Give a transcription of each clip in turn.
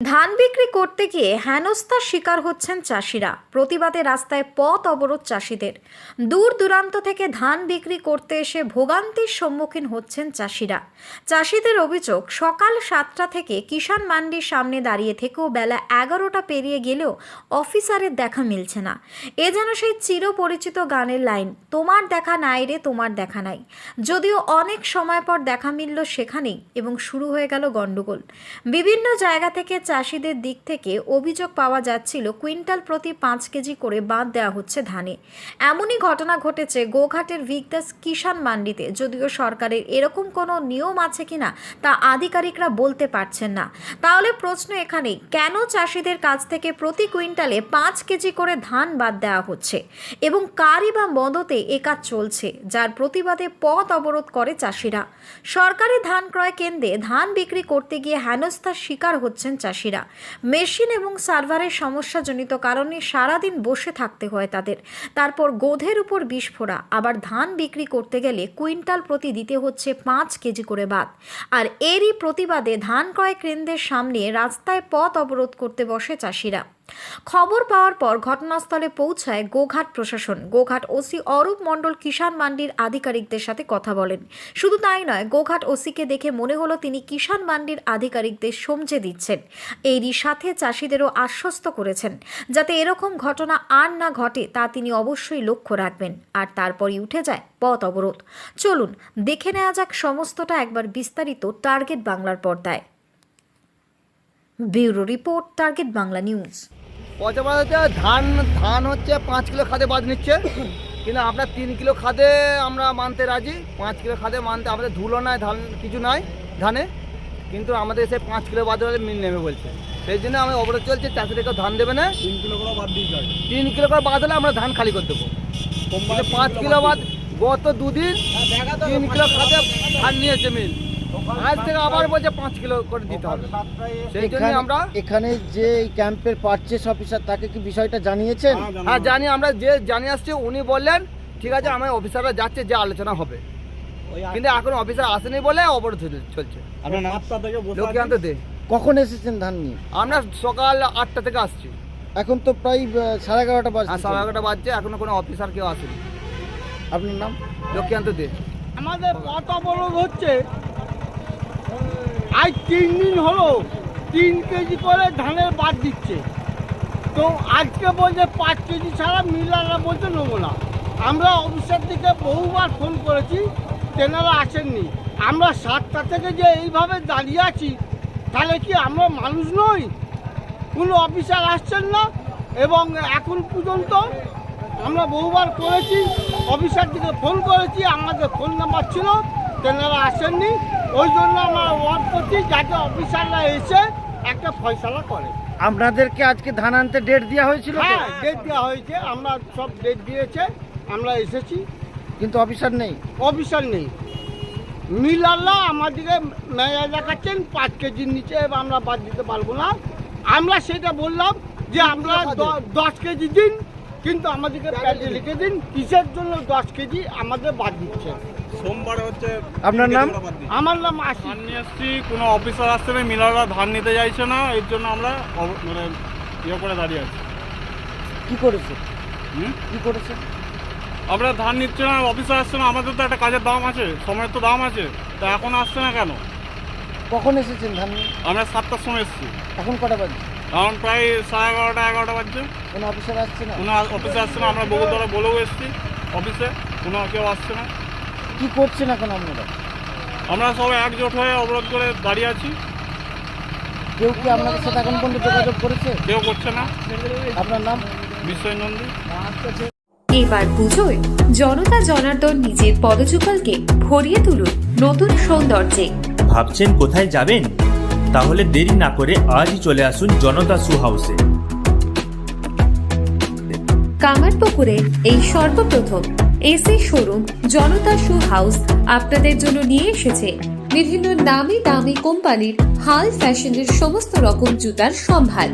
ধান বিক্রি করতে গিয়ে হেনস্থার শিকার হচ্ছেন চাষিরা। প্রতিবাদে রাস্তায় পথ অবরোধ চাষিদের। দূর দূরান্ত থেকে ধান বিক্রি করতে এসে ভোগান্তির সম্মুখীন হচ্ছেন চাষিরা। চাষিদের অভিযোগ, সকাল 7টা থেকে কিষাণ মান্ডির সামনে দাঁড়িয়ে থেকেও বেলা 11টা পেরিয়ে গেলেও অফিসারের দেখা মিলছে না। এ যেন সেই চিরপরিচিত গানের লাইন, তোমার দেখা নাই রে তোমার দেখা নাই। যদিও অনেক সময় পর দেখা মিলল সেখানেই এবং শুরু হয়ে গেল গন্ডগোল। বিভিন্ন জায়গা থেকে চাষিদের দিক থেকে অভিযোগ পাওয়া যাচ্ছিল কুইন্টাল প্রতি 5 কেজি করে বাদ দেওয়া হচ্ছে ধানে। এমনই ঘটনা ঘটেছে গোঘাটের ভিক্টাস কিষাণ মান্ডিতে। যদিও সরকারের এরকম কোনো নিয়ম আছে কিনা তা আধিকারিকরা বলতে পারছেন না। তাহলে প্রশ্ন এখানেই, কেন চাষিদের কাছ থেকে প্রতি কুইন্টালে 5 কেজি করে ধান বাদ দেওয়া হচ্ছে এবং কারই বা মদতে এ কাজ চলছে, যার প্রতিবাদে পথ অবরোধ করে চাষিরা। সরকারি ধান ক্রয় কেন্দ্রে ধান বিক্রি করতে গিয়ে হেনস্থার শিকার হচ্ছেন চাষিরা। মেশিন এবং সার্ভারের সমস্যাজনিত কারণে সারাদিন বসে থাকতে হয় তাদের। তারপর গোধের উপর বিস্ফোরা। আবার ধান বিক্রি করতে গেলে কুইন্টাল প্রতি দিতে হচ্ছে 5 কেজি করে বাদ। আর এরই প্রতিবাদে ধান ক্রয় কেন্দ্রের সামনে রাস্তায় পথ অবরোধ করতে বসে চাষিরা। খবর পাওয়ার পর ঘটনাস্থলে পৌঁছায় গোঘাট প্রশাসন। গোঘাট ওসি অরূপ মণ্ডল কিষাণ মান্ডির আধিকারিকদের সাথে কথা বলেন। শুধু তাই নয়, গোঘাট ওসিকে দেখে মনে হলো তিনি কিষাণ মান্ডির আধিকারিকদের সমঝে দিচ্ছেন। এরই সাথে চাষিদেরও আশ্বস্ত করেছেন যাতে এরকম ঘটনা আর না ঘটে তা তিনি অবশ্যই লক্ষ্য রাখবেন। আর তারপরই উঠে যায় পথ অবরোধ। চলুন দেখে নেওয়া যাক সমস্তটা একবার বিস্তারিত টার্গেট বাংলার পর্দায়। Bureau report, target Bangla news. পচাবাজাতে ধান হচ্ছে 5 কিলো খাদে বাদ নিচ্ছে, কিন্তু আমরা 3 কিলো খাদে আমরা মানতে রাজি। 5 কিলো খাদে মানতে আমাদের ধুলো নাই, ধান কিছু নাই ধানে, কিন্তু আমাদের সে 5 কিলো বাদ হলে মিল নেবে বলছে। সেই জন্য আমি অবরোধ চলছে, চাষিদেরকে ধান দেবে না। 3 কিলো করে বাদ দিয়ে যায়, 3 কিলো করে বাদ হলে আমরা ধান খালি করে দেবো। 5 কিলো বাদ গত 2 দিন 3 কিলো খাদে ধান নিয়েছে মিল, আজ থেকে আবার বলছে 5 কিলো করে দিতে হবে। সেই জন্য আমরা এখানে যে ক্যাম্পের পারচেস অফিসার, তাকে কি বিষয়টা জানিয়েছেন? হ্যাঁ জানি, আমরা যে জানিয়ে আসছি উনি বললেন ঠিক আছে, আমার অফিসাররা যাচ্ছে, যে আলোচনা হবে, কিন্তু এখন অফিসার আসেনি বলে অবরোধ চলছে। লক্ষ্মীকান্ত দে। কখন এসেছেন ধান নিয়ে? আমরা সকাল 8টা থেকে আসছি। এখন তো প্রায় 11:30 বাজছে। 11:30 বাজছে, এখনো কোনো অফিসার কেউ আসেনি। আপনার নাম? লক্ষ্মীকান্ত দে। আমাদের পথ অবরোধ হচ্ছে আজ 3 দিন হলো, 3 কেজি করে ধানের বাদ দিচ্ছে। তো আজকে বলছে 5 কেজি ছাড়া মিলাররা বলছে নেবো না। আমরা অফিসার থেকে বহুবার ফোন করেছি, তেনারা আসেননি। আমরা 7টা থেকে যে এইভাবে দাঁড়িয়ে আছি, তাহলে কি আমরা মানুষ নই? কোনো অফিসার আসছেন না এবং এখন পর্যন্ত আমরা বহুবার করেছি, অফিসার থেকে ফোন করেছি, আমাদের ফোন নাম্বার ছিল, তেনারা আসেননি। ওই জন্য আমরা ওয়ার্ড করছি যাতে অফিসাররা এসে একটা ফয়সালা করে। আপনাদেরকে আজকে ধান আনতে ডেট দেওয়া হয়েছিল? হ্যাঁ, ডেট দেওয়া হয়েছে, আমরা সব ডেট দিয়েছে, আমরা এসেছি, কিন্তু অফিসার নেই। অফিসার নেই। মিলাররা আমাদেরকে মেয়া দেখাচ্ছেন 5 কেজির নিচে আমরা বাদ দিতে পারবো না। আমরা সেটা বললাম যে আমরা 10 কেজি দিন, কিন্তু আমাদেরকে প্যাডে লিখে দিন কিসের জন্য 10 কেজি আমাদের বাদ দিচ্ছে। সোমবার হচ্ছে। আপনার নাম? আমার নাম আশিস। ধান নিয়ে এসছি, কোনো অফিসার আসছে না, মিলাররা ধান নিতে চাইছে না, এর জন্য আমরা মানে ইয়ে করে দাঁড়িয়ে আছি। কি করেছে? কি করেছে? আমরা ধান নিচ্ছে না, অফিসার আসছে না, আমাদের তো একটা কাজের দাম আছে, সময়ের তো দাম আছে, তা এখন আসছে না কেন? কখন এসেছেন ধান নিয়ে? আমরা 7টার সময় এসেছি, এখন কটা বাজছে? এখন প্রায় 11:30 বাজছে। কোনো অফিসার আসছে না? কোনো অফিসে আসছে না, আমরা বগুড়া বলেও এসেছি অফিসে, কোনো কেউ আসছে না। কি করছেন এখন আপনারা? আমরা সবাই একজোট হয়ে অবরোধ করে দাঁড়িয়ে আছি। কেউ কি আপনাদের সাথে এখন পর্যন্ত যোগাযোগ করেছে? কেউ করছে না। আপনার নাম? বিশ্বয় নন্দী। এবার পুজোয় জনতা জনার্দন নিজের পদযুগলকে ভরিয়ে তুলুন নতুন সৌন্দর্যে। ভাবছেন কোথায় যাবেন? তাহলে দেরি না করে আজই চলে আসুন জনতা শু হাউসে। কামারপুকুরে এই সর্বপ্রথম AC showroom Janata shoe house আপনাদের জন্য নিয়ে এসেছে বিভিন্ন নামি দামি কোম্পানির হাল ফ্যাশনের সমস্ত রকম জুতার সম্ভার।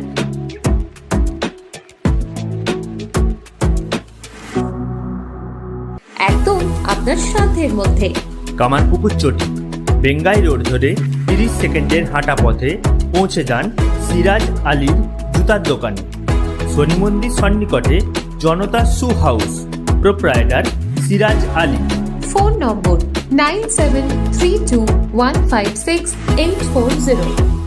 একদম আপনার সাধ্যের মধ্যে। কামারপুকুর চটি, বেঙ্গাই রোড ধরে 30 সেকেন্ডের হাঁটা পথে পৌঁছে যান সিরাজ আলীর জুতার দোকানে, শনি মন্দির সন্নিকটে Janata shoe house, proprietor Siraj Ali. Phone number 9732156840।